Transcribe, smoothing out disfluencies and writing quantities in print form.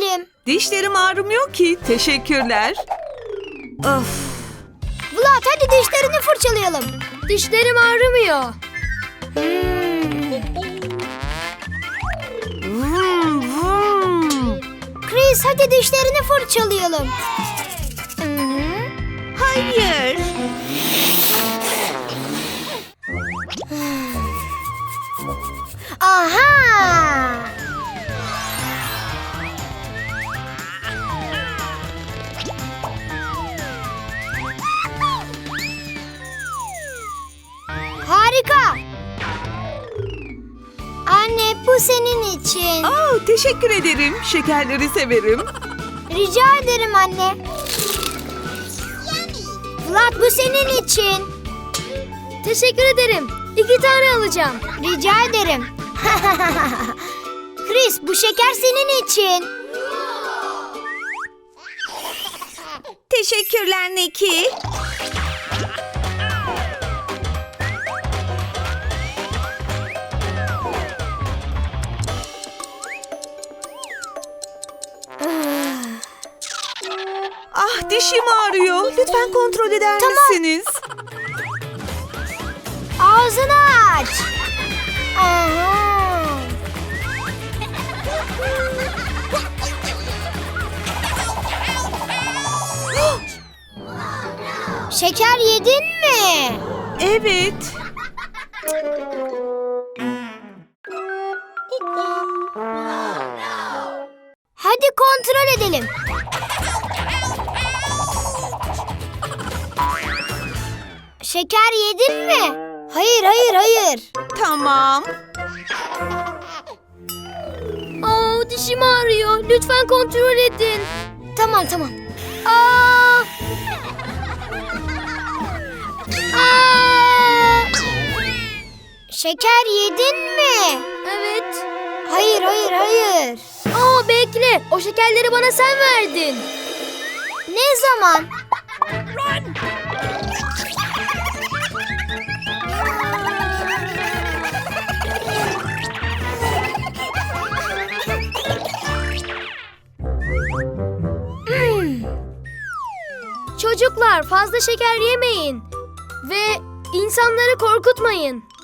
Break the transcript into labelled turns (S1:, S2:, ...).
S1: ederim.
S2: Dişlerim ağrımıyor ki. Teşekkürler. Of.
S1: Vlad, hadi dişlerini fırçalayalım.
S3: Dişlerim ağrımıyor.
S2: Vum, vum.
S1: Chris, hadi dişlerini fırçalayalım.
S2: Hayır.
S1: Aha! Harika! Anne, bu senin için.
S2: Teşekkür ederim. Şekerleri severim.
S1: Rica ederim anne. Vlad, bu senin için.
S3: Teşekkür ederim. 2 tane alacağım.
S1: Rica ederim. Chris, bu şeker senin için.
S2: Teşekkürler Neki. Dişim ağrıyor. Lütfen kontrol eder misiniz?
S1: Ağzını aç. Aha. Şeker yedin mi?
S2: Evet.
S1: Hadi kontrol edelim. Şeker yedin mi? Hayır, hayır, hayır.
S2: Tamam.
S3: Dişim ağrıyor. Lütfen kontrol edin.
S1: Tamam, tamam. Aa! Aa! Şeker yedin mi?
S3: Evet.
S1: Hayır, hayır, hayır.
S3: Bekle. O şekerleri bana sen verdin.
S1: Ne zaman?
S3: Çocuklar, fazla şeker yemeyin. Ve insanları korkutmayın.